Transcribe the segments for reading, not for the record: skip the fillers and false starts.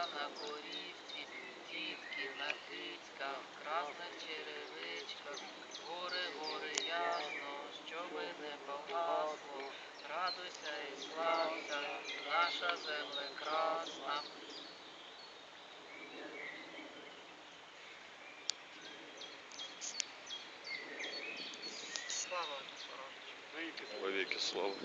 на корівці, дітки на кицьках, красних черевичках, гори, гори ясно, щоби не погасло, радуйся і слався, наша земля красна. Слава Отцю Родичу. Вовеки слава.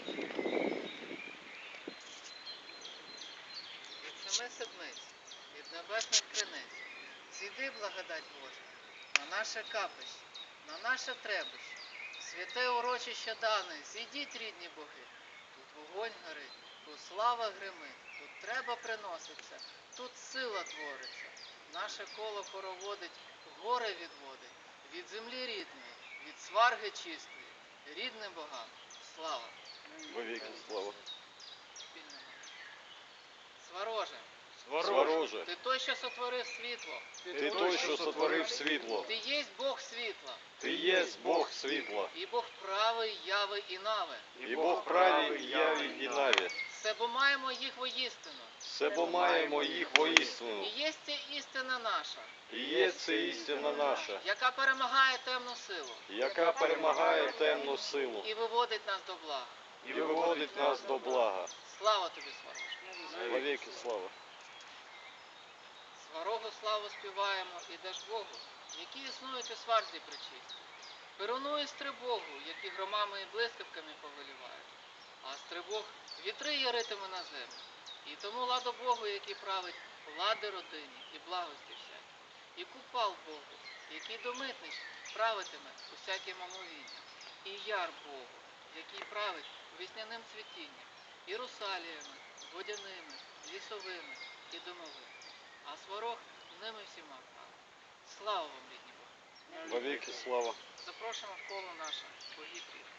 Від семи седмиць, від небесних криниць, зійди, благодать Божа, на наше капище, на наше требище, святе урочище дане, зійдіть, рідні боги. Тут вогонь горить, тут слава гримить, тут треба приноситься, тут сила твориться. Наше коло хороводить, горе відводить, від землі рідної, від сварги чистої, рідним богам слава. Вовеки слава. Спільна молитва. Свароже, Свороже, ти той, що сотворив світло, ти той, що сотворив світло. ти єсть Бог світла, Ти єсть Бог світла. і Бог правий, яви і нави. І Бог правий, яві і наві. Себо маємо їх воістину, Себо маємо їх воістину. і єсть ця істина наша, І є це істина наша, яка перемагає темну силу яка перемагає темну силу і виводить нас до блага. і виводить нас до блага. Слава тобі, Свароже. Вовеки слава. Сварогу славу співаємо і даж Богу, які існують у сварзі причисті. Перуну і стрибогу, які громами і блискавками повелівають. А стрибог вітри яритиме на землю. І тому ладо Богу, який править влади родині і благості всякі. І купал Богу, який до митниць правитиме усяким омовінням. І яр Богу, який править весняним цвітінням, і русаліями, водяними, лісовими і домовими. А сварог ними всіма править. Слава вам, рідні Бога! Вовеки слава. Запрошуємо в коло наше богів рідних.